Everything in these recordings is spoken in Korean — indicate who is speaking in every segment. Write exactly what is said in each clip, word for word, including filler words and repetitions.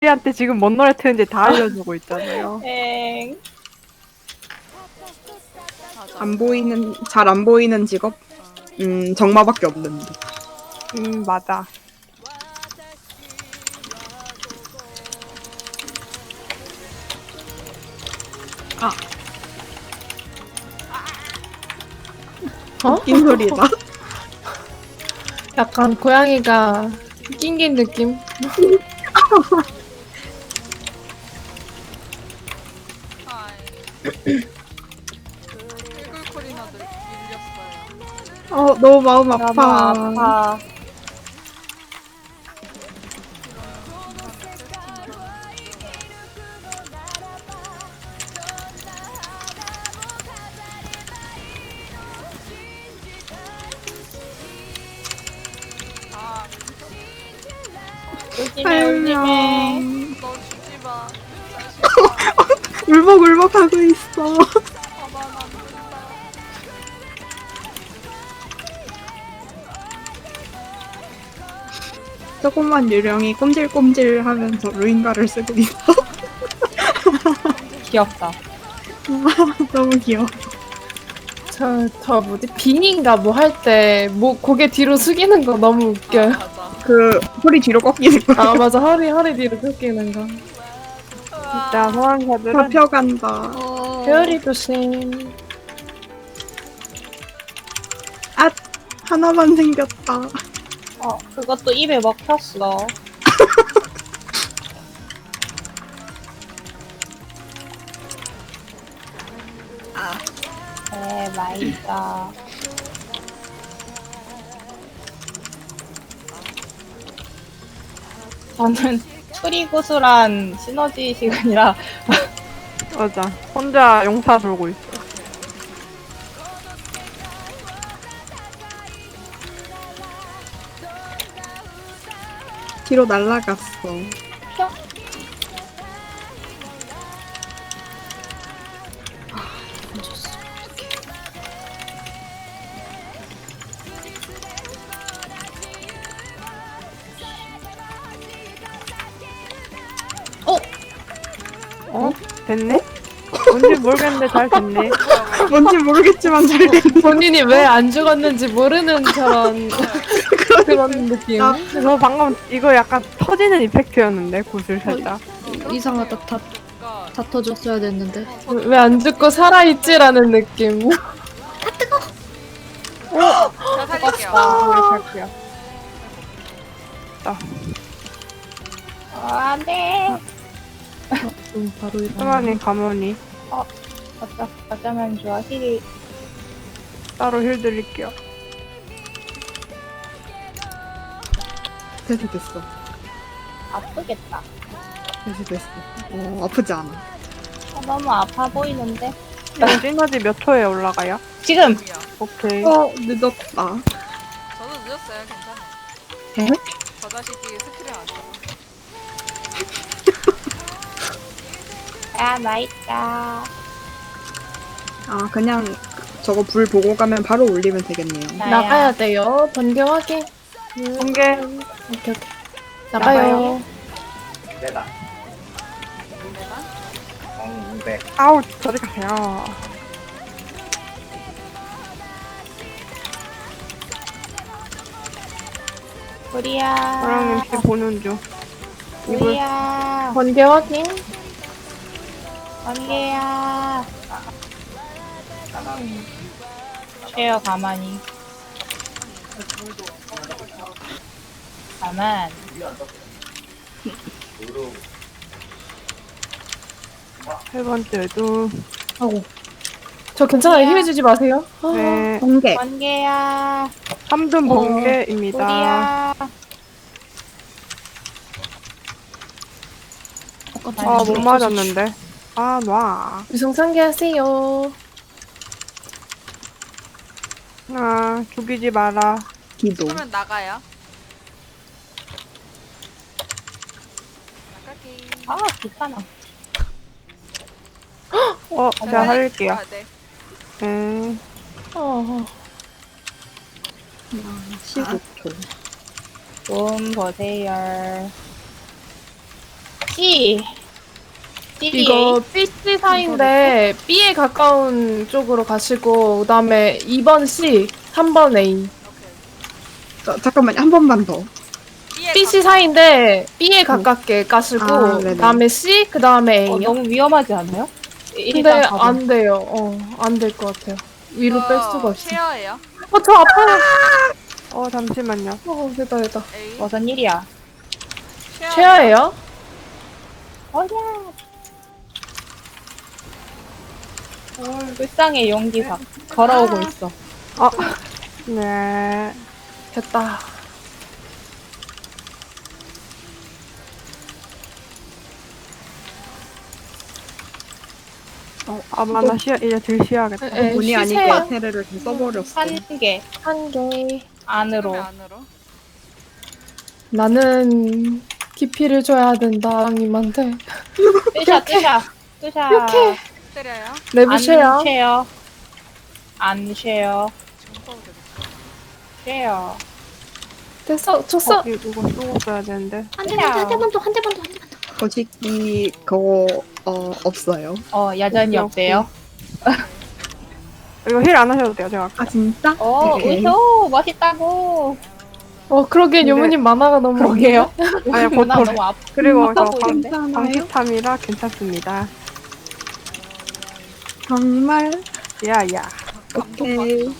Speaker 1: 우리한테 지금 뭔 노래 트는지 다 알려주고 있잖아요.
Speaker 2: 엥.
Speaker 3: 안 보이는, 잘 안 보이는 직업? 음, 정마밖에 없는데.
Speaker 1: 음, 맞아.
Speaker 3: 아,
Speaker 4: 어?
Speaker 3: 웃긴 소리다.
Speaker 4: 약간 고양이가 낑긴 느낌?
Speaker 5: 꿀꿀콜이나 밀렸어요.
Speaker 3: 어, 너무 마음
Speaker 2: 너무
Speaker 3: 아파.
Speaker 2: 아파.
Speaker 5: 아,
Speaker 2: 울지매, 울지매.
Speaker 5: 너 주지 마. 자식아.
Speaker 3: 울먹울먹 하고 있어.
Speaker 5: 가만 안 둔다.
Speaker 3: 조그만 유령이 꼼질꼼질 하면서 루인가를 쓰고 있어.
Speaker 2: 귀엽다.
Speaker 3: 너무 귀여워.
Speaker 4: 저, 저 뭐지? 빙인가 뭐 할 때 뭐 고개 뒤로 숙이는 거 너무 웃겨요.
Speaker 5: 맞아.
Speaker 3: 그, 소리 뒤로 꺾이는 거.
Speaker 4: 아 맞아, 허리 허리 뒤로 숙이는 거.
Speaker 1: 진짜 소환사들은
Speaker 3: 잡혀간다.
Speaker 4: 별이 조심.
Speaker 3: 아, 하나만 생겼다.
Speaker 2: 어, 그것도 입에 먹혔어. 아. 네, 맛있다. 저는 추리구슬한 시너지 시간이라
Speaker 1: 맞아. 혼자 용사 돌고 있어.
Speaker 3: 뒤로 날아갔어.
Speaker 1: 어? 됐네? 뭔지 모르겠는데 잘 됐네.
Speaker 3: 뭔지 모르겠지만 잘 됐네.
Speaker 4: 본인이 왜 안 죽었는지 모르는 저런 그런 느낌.
Speaker 3: 나-
Speaker 1: 저 방금 이거 약간 터지는 이펙트였는데, 구슬 살짝.
Speaker 6: 이상하다. 다,
Speaker 5: 그러니까
Speaker 6: 다 터졌어야 됐는데.
Speaker 4: 왜 안 죽고 살아있지라는 느낌.
Speaker 5: 제가 살릴게요.
Speaker 1: 아, 살게요.
Speaker 2: 어, 안 돼.
Speaker 6: 좀 바로 일어나.
Speaker 1: 수만이 가만히
Speaker 2: 어쩌, 어쩌면 좋아. 힐이.
Speaker 1: 따로 힐 드릴게요.
Speaker 3: 됐어, 됐어.
Speaker 2: 아프겠다.
Speaker 3: 됐어, 됐어. 어, 아프지 않아.
Speaker 2: 어, 너무 아파 보이는데?
Speaker 1: 이거 시너지 몇 초에 올라가요?
Speaker 2: 지금!
Speaker 5: 뭐야.
Speaker 1: 오케이.
Speaker 3: 어, 늦었다.
Speaker 5: 저도 늦었어요. 괜찮아요.
Speaker 3: 에?
Speaker 5: 저 자식이 스킬을 안 써.
Speaker 2: 야, 맛있다.
Speaker 3: 아, 그냥 저거 불 보고 가면 바로 올리면 되겠네요.
Speaker 2: 나야.
Speaker 4: 나가야 돼요. 번개 확인.
Speaker 1: 공개.
Speaker 4: 오케이 오케이. 나가요.
Speaker 1: 아우, 저리 가세요.
Speaker 2: 우리야.
Speaker 1: 저랑 엠씨 보는 중. 이분
Speaker 2: 우리야.
Speaker 4: 번개 확인.
Speaker 2: 번개야. 쉬어, 가만히. 가만.
Speaker 1: 세 번째도.
Speaker 4: 하고. 저 괜찮아요. 힘해주지 마세요. 아,
Speaker 1: 네.
Speaker 3: 번개.
Speaker 2: 번개야.
Speaker 1: 삼든
Speaker 4: 어,
Speaker 1: 번개입니다.
Speaker 2: 우리야.
Speaker 1: 아, 못 맞았는데. 아, 놔.
Speaker 4: 유성상계 하세요.
Speaker 1: 아, 죽이지 마라.
Speaker 3: 기도.
Speaker 5: 그러면 나가요. 나갈게.
Speaker 2: 아, 귀찮아.
Speaker 1: 어, 제가 할게요.
Speaker 5: 아, 네.
Speaker 1: 네.
Speaker 4: 어,
Speaker 3: 십오 초.
Speaker 2: 좀 보세요. C. C.
Speaker 4: 이거 B, C 사이인데 B에 가까운 쪽으로 가시고 그다음에 이 번 C, 삼 번 A.
Speaker 5: 오케이.
Speaker 3: 자, 잠깐만요. 한 번만 더.
Speaker 5: B에
Speaker 4: B, C 사이인데 B에 가깝게 가시고
Speaker 3: 아, 네네.
Speaker 4: 그다음에 C, 그다음에
Speaker 2: 어,
Speaker 4: A.
Speaker 2: 너무 위험하지 않아요?
Speaker 4: 근데
Speaker 2: 일단 가보.
Speaker 4: 안 돼요. 어, 안 될 것 같아요. 위로
Speaker 5: 가-
Speaker 4: 뺄
Speaker 5: 어,
Speaker 4: 수가 없어.
Speaker 5: 쉐어예요.
Speaker 4: 어, 저 아파요.
Speaker 1: 어 잠시만요.
Speaker 4: 어, 됐다, 됐다.
Speaker 5: A.
Speaker 2: 무슨 일이야?
Speaker 5: 쉐어예요.
Speaker 4: 최하예요?
Speaker 2: 어야. 불쌍해 용기사. 걸어오고 있어.
Speaker 1: 네.
Speaker 4: 됐다.
Speaker 1: 어, 아마 나 쉬어 이제 들 쉬어야겠다.
Speaker 4: 에,
Speaker 3: 본의 아니게
Speaker 4: 쉬세요.
Speaker 3: 에테르를 좀 써버렸어.
Speaker 2: 한 개.
Speaker 4: 한 개.
Speaker 2: 안으로.
Speaker 5: 그러면 안으로.
Speaker 4: 나는 깊이를 줘야 된다, 님한테.
Speaker 2: 뜨샤 뜨샤. 뜨샤.
Speaker 4: 이렇게.
Speaker 5: 때려요.
Speaker 4: 내부셔요.
Speaker 2: 안 쉐어. 안 쉐어.
Speaker 5: 지금 써도 되겠다.
Speaker 2: 쉐어.
Speaker 4: 됐어, 줬어.
Speaker 1: 어, 이거 쓰고 써야 되는데.
Speaker 6: 한 대만 더, 한 대만 더, 한 대만 더, 한 대만 더.
Speaker 3: 거시기 그거 어 없어요.
Speaker 2: 어 여전히
Speaker 1: 오케이,
Speaker 2: 없대요.
Speaker 1: 이거 힐 안 하셔도 돼요. 제가
Speaker 3: 아 진짜?
Speaker 2: 어
Speaker 3: 오케이.
Speaker 2: 우소 멋있다고.
Speaker 4: 어, 그러기엔
Speaker 1: 근데-
Speaker 4: 요모님 만화가 너무.
Speaker 2: 그러게요.
Speaker 1: 아니 곧
Speaker 2: 나
Speaker 1: 돌.
Speaker 2: 너무 아파.
Speaker 1: 그리고 저
Speaker 2: 아파 보이는데?
Speaker 3: 괜찮아요?
Speaker 1: 방식탐이라 괜찮습니다.
Speaker 3: 정말?
Speaker 1: 야야.
Speaker 3: 오케이.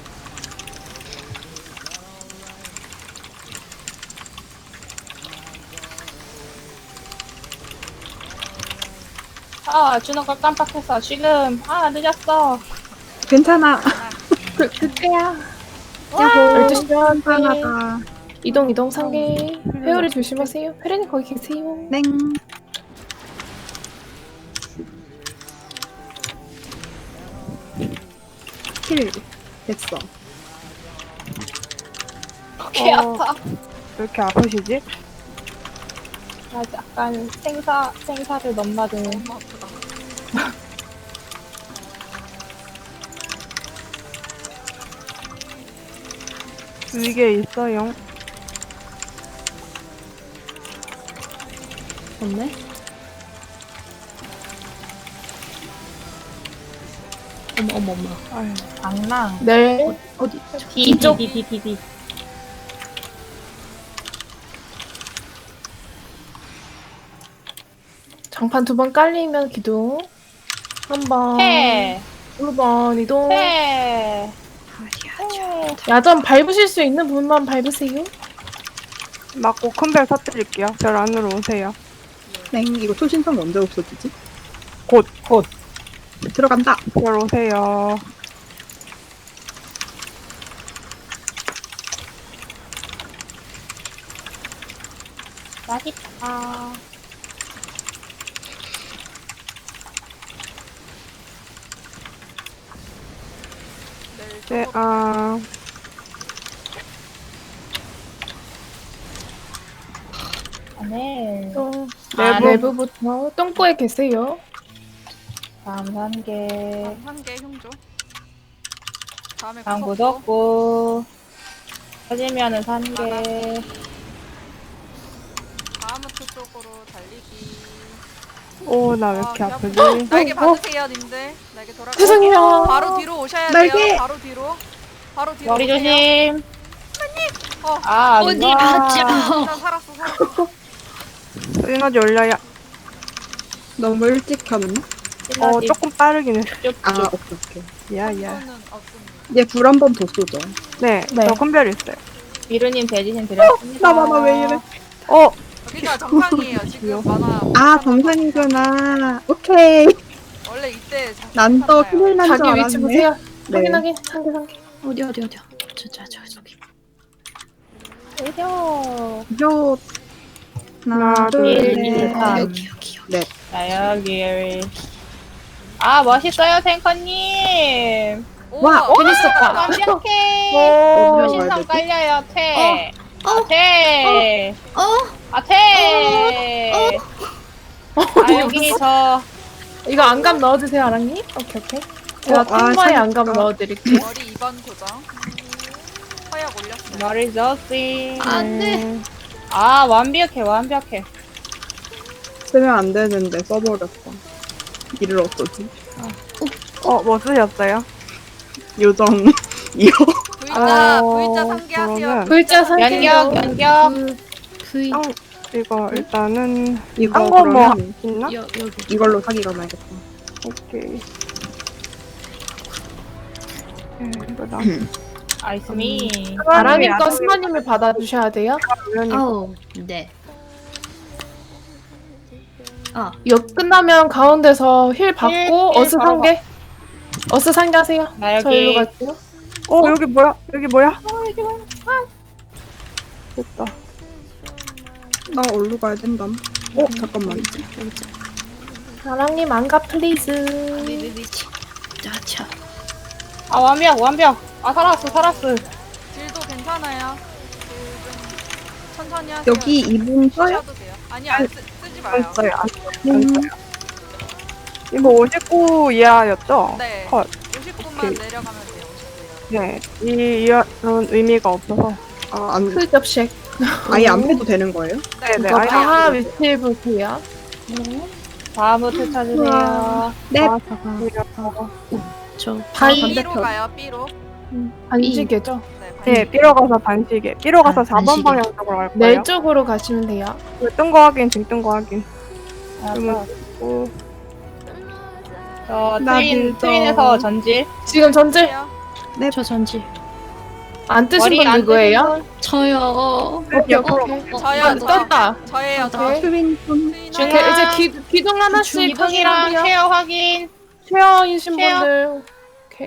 Speaker 2: 아 주는 걸 깜빡했어. 지금 아 늦었어.
Speaker 3: 괜찮아.
Speaker 4: 그, 그때야.
Speaker 3: 야호.
Speaker 4: 열두 시 반.
Speaker 3: 괜찮아다.
Speaker 4: 이동, 이동, 상계. 회오리 조심하세요. 페레님 거기 계세요.
Speaker 3: 땡. 킬 됐어.
Speaker 2: 개
Speaker 1: 어.
Speaker 2: 아파.
Speaker 1: 왜 이렇게 아프시지?
Speaker 2: 나 약간 생사 생사를 넘나드는.
Speaker 5: 너무 아프다.
Speaker 1: 위에 있어요.
Speaker 6: 없네? 어머, 어머, 어머.
Speaker 1: 아유.
Speaker 2: 장난.
Speaker 4: 네.
Speaker 6: 어디?
Speaker 2: D
Speaker 4: 이쪽.
Speaker 2: D D D D.
Speaker 4: 장판 두 번 깔리면 기둥. 한 번.
Speaker 2: 해.
Speaker 4: 두 번 이동.
Speaker 2: 해.
Speaker 4: 야전 밟으실 수 있는 분만 밟으세요.
Speaker 1: 맞고 큰 별 터뜨릴게요. 별 안으로 오세요.
Speaker 3: 땡. 이거 초신성 언제 없어지지?
Speaker 1: 곧.
Speaker 2: 곧.
Speaker 3: 들어간다.
Speaker 1: 별 오세요.
Speaker 2: 맛있다.
Speaker 1: 네, 아.
Speaker 2: 네.
Speaker 4: 또
Speaker 2: 아,
Speaker 1: 내부.
Speaker 4: 내부부터 똥꼬에 계세요.
Speaker 2: 다음 단계.
Speaker 5: 다음 한개 흉조. 다음에
Speaker 2: 다음
Speaker 5: 구석구.
Speaker 2: 구독구. 터지면은 산 개.
Speaker 5: 다음부터 쪽으로 달리기.
Speaker 1: 오, 나 왜 이렇게
Speaker 5: 아,
Speaker 1: 아프지?
Speaker 5: 날개
Speaker 4: 어,
Speaker 5: 받으세요, 님들. 날개 돌아.
Speaker 4: 죄송해요.
Speaker 5: 바로 뒤로 오셔야
Speaker 3: 날개!
Speaker 5: 돼요. 바로 뒤로. 바로 뒤로.
Speaker 2: 머리
Speaker 5: 오세요.
Speaker 2: 조심.
Speaker 5: 어.
Speaker 2: 아,
Speaker 6: 어디
Speaker 2: 누가-
Speaker 6: 가죠?
Speaker 5: 일단 살았어, 살았어.
Speaker 1: 에너지 올려야.
Speaker 3: 너무 일찍 하면?
Speaker 1: 어,
Speaker 2: 시너지
Speaker 1: 조금 빠르긴 해.
Speaker 2: 쭉쭉.
Speaker 3: 아 오케이 오케이.
Speaker 1: 야야.
Speaker 5: 는 없습니다.
Speaker 3: 얘 불 한 번 더 쏘죠.
Speaker 1: 네,
Speaker 4: 네.
Speaker 1: 저 큰 별 있어요.
Speaker 2: 미르님 대지신 드렸습니다.
Speaker 3: 나 봐봐 왜 이래?
Speaker 1: 어,
Speaker 5: 그러니까 정상이에요. 지금 만화.
Speaker 3: 아 정상이구나. 오케이.
Speaker 5: 원래 이때
Speaker 3: 난 또 큰일 난 줄
Speaker 4: 자기 위치
Speaker 3: 알았네.
Speaker 4: 보세요.
Speaker 3: 네.
Speaker 4: 확인하게. 상계, 상계.
Speaker 6: 어디, 어디, 어디야? 저, 저, 저, 저기.
Speaker 2: 오죠.
Speaker 3: 요. 하나,
Speaker 1: 하나,
Speaker 3: 둘,
Speaker 2: 둘,
Speaker 3: 셋.
Speaker 2: 셋. 아.
Speaker 6: 여기, 여기, 여기.
Speaker 2: 자, 여기. 아, 멋있어요, 탱커님.
Speaker 3: 와,
Speaker 5: 오,
Speaker 2: 재밌었다. 완벽해.
Speaker 3: 오.
Speaker 2: 요신성 깔려요, 퇴.
Speaker 6: 어.
Speaker 2: 아, 퇴.
Speaker 6: 어?
Speaker 2: 아, 퇴. 아, 여기 저.
Speaker 4: 이거 안감 넣어주세요, 아랑님. 오케이, 오케이. 제가
Speaker 3: 어, 아,
Speaker 4: 탐마에
Speaker 3: 잠깐.
Speaker 4: 안감 넣어드릴게요.
Speaker 5: 머리 이 번 고정. 허약 올렸어요.
Speaker 2: 머리 저씨.
Speaker 6: 안 돼.
Speaker 2: 아, 완벽해, 완벽해.
Speaker 3: 쓰면 안 되는데 써버렸어. 이를 어쩌지?
Speaker 1: 어, 뭐 쓰셨어요?
Speaker 3: 요정 이거
Speaker 5: V자
Speaker 1: 어,
Speaker 5: V자 상기하세요.
Speaker 1: 그러면-
Speaker 4: 글자 상태.
Speaker 2: 연격 연격.
Speaker 6: 그 V
Speaker 1: 땅, 이거 일단은
Speaker 3: 이거
Speaker 1: 딴 거 뭐
Speaker 3: 그러면
Speaker 1: 있나?
Speaker 6: 여 여기
Speaker 3: 이걸로 사기 가봐야겠다.
Speaker 1: 오케이. 네, 이거다.
Speaker 2: 아이스미.
Speaker 4: 아라님 거 스마님을 받아주셔야 돼요.
Speaker 6: 아우 네. 아
Speaker 4: 역 끝나면 가운데서 힐 받고
Speaker 2: 힐, 힐
Speaker 4: 어스
Speaker 2: 바로
Speaker 4: 상계. 어스 상계 하세요.
Speaker 2: 나
Speaker 4: 저 일로
Speaker 2: 여기.
Speaker 4: 갈게요.
Speaker 1: 어, 여기 뭐야? 여기 뭐야? 됐다.
Speaker 3: 나 어디로 가야 된담? 어 잠깐만.
Speaker 6: 여기 여기
Speaker 4: 아랑님 안가 플리즈.
Speaker 6: 위위위치. 자차.
Speaker 2: 아 완벽 완벽. 아 살았어 살았어.
Speaker 5: 딜도 괜찮아요. 딜좀 천천히 하세요.
Speaker 3: 여기 이분 써요?
Speaker 5: 쓰셔도 돼요. 아니 안 쓰, 쓰지 마요.
Speaker 1: 안 써요. 안 써요. 안 써요. 이거 오십구 이하였죠?
Speaker 5: 네.
Speaker 1: 컷.
Speaker 5: 오십 분만
Speaker 1: 오케이.
Speaker 5: 내려가면 돼요. 오십 분이요.
Speaker 1: 네. 이 이하는 의미가 없어서.
Speaker 3: 아안
Speaker 4: 풀접식.
Speaker 3: 아예 안 빼도 되는 거예요?
Speaker 1: 네, 네.
Speaker 4: 이거
Speaker 1: 아예
Speaker 4: 다하
Speaker 1: 안
Speaker 4: 위치 보세요.
Speaker 2: 다음부터 찾으세요.
Speaker 3: 네.
Speaker 1: 아, 잠깐만요.
Speaker 6: 저
Speaker 4: 반-
Speaker 5: B로
Speaker 3: 반대편.
Speaker 5: 가요. B로.
Speaker 4: 반지게죠.
Speaker 5: 네.
Speaker 1: 네, 삐로 가서 반시계. 삐로 가서
Speaker 6: 아,
Speaker 1: 사 번
Speaker 6: 반시계.
Speaker 1: 방향 쪽으로 갈 거예요.
Speaker 4: 내 쪽으로 가시면 돼요.
Speaker 1: 뜬 거 확인, 지금 뜬 거 확인.
Speaker 2: 알았어.
Speaker 1: 오,
Speaker 2: 저
Speaker 3: 나
Speaker 2: 트윈
Speaker 3: 믿어.
Speaker 2: 트윈에서 전질.
Speaker 4: 지금 전질
Speaker 5: 해요.
Speaker 6: 저 전지.
Speaker 4: 안 뜨신
Speaker 2: 머리
Speaker 4: 분
Speaker 2: 안
Speaker 4: 누구예요?
Speaker 2: 뜨는 분.
Speaker 6: 저요.
Speaker 1: 옆으로.
Speaker 5: 저요.
Speaker 4: 아,
Speaker 5: 저.
Speaker 4: 떴다.
Speaker 5: 저예요. 저.
Speaker 4: 오케이.
Speaker 3: 트윈 분
Speaker 5: 트윈
Speaker 2: 중-
Speaker 4: 오케이,
Speaker 5: 하나.
Speaker 4: 이제 기, 기둥 하나씩
Speaker 2: 기둥이랑
Speaker 4: 확인하세요.
Speaker 2: 쉐어 확인.
Speaker 4: 쉐어이신
Speaker 2: 쉐어.
Speaker 4: 분들. 오케이.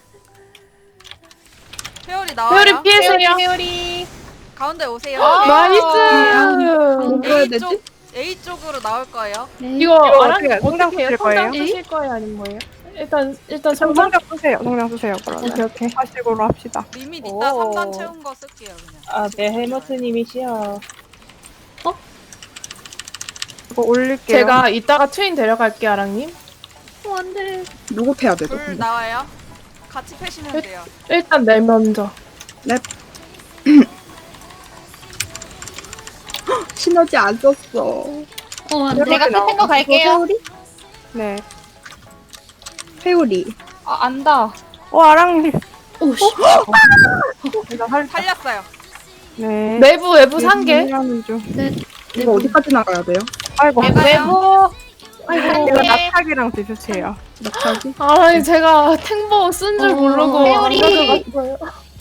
Speaker 5: 회오리 나와요.
Speaker 4: 회오리 피해세요.
Speaker 2: 회오리 회오리.
Speaker 5: 가운데 오세요.
Speaker 2: 아,
Speaker 4: 나이스.
Speaker 3: 뭐 해야
Speaker 5: A
Speaker 3: 되지?
Speaker 5: 쪽 A 쪽으로 나올 거예요.
Speaker 6: 네.
Speaker 4: 이거
Speaker 1: 이거
Speaker 4: 아랑
Speaker 1: 어떻게 성장
Speaker 4: 어떻게 해요?
Speaker 1: 쓰실
Speaker 4: 성장
Speaker 1: 거예요?
Speaker 4: 쓰실 거예요? 아니면 뭐예요? 일단 일단
Speaker 1: 좀
Speaker 4: 성장.
Speaker 1: 성장 쓰세요. 성장 쓰세요. 그러면.
Speaker 4: 오케이 오케이.
Speaker 1: 사식으로 합시다.
Speaker 5: 리밋 이따
Speaker 2: 오.
Speaker 5: 삼 단 채운 거 쓸게요. 그냥.
Speaker 2: 아, 네 헬머트님이시여.
Speaker 1: 이거 올릴게요.
Speaker 4: 제가 이따가 트윈 데려갈게요, 아랑님.
Speaker 6: 어, 안돼.
Speaker 3: 누구 패야 돼? 너
Speaker 5: 불
Speaker 3: 근데?
Speaker 5: 나와요. 같이 패시면 돼요.
Speaker 4: 일단 내 먼저.
Speaker 3: 시너지 안 썼어.
Speaker 6: 어 안돼.
Speaker 2: 제가 끝낸 거 갈게요.
Speaker 3: 회오리?
Speaker 1: 네.
Speaker 3: 회오리.
Speaker 2: 아, 안다.
Speaker 1: 어, 아랑님.
Speaker 6: 오씨.
Speaker 1: 제가 살,
Speaker 5: 살렸어요.
Speaker 1: 네.
Speaker 4: 내부 외부 상계.
Speaker 1: 하는 중.
Speaker 3: 이거 어디까지 나가야 돼요?
Speaker 1: 아이고.
Speaker 2: 외부.
Speaker 1: 아이고. 이거
Speaker 2: 네.
Speaker 1: 낙하기랑 비슷해요.
Speaker 3: 낙하기?
Speaker 4: 아, 제가 탱보 쓴 줄
Speaker 6: 어,
Speaker 4: 모르고 안
Speaker 2: 회오리.
Speaker 4: 가져갔어요.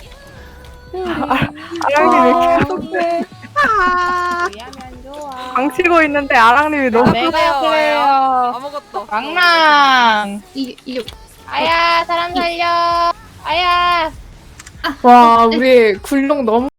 Speaker 1: 아랑님 왜 이렇게
Speaker 3: 어떡해. 아.
Speaker 2: 왜냐면 좋아.
Speaker 1: 방치고 있는데 아랑님이 너무
Speaker 2: 내가
Speaker 5: 그래요,
Speaker 2: 그래요.
Speaker 5: 아무것도 없어.
Speaker 2: 왕랑.
Speaker 6: 이 이.
Speaker 2: 아야, 사람 살려. 아야.
Speaker 4: 와, 우리 굴룡 너무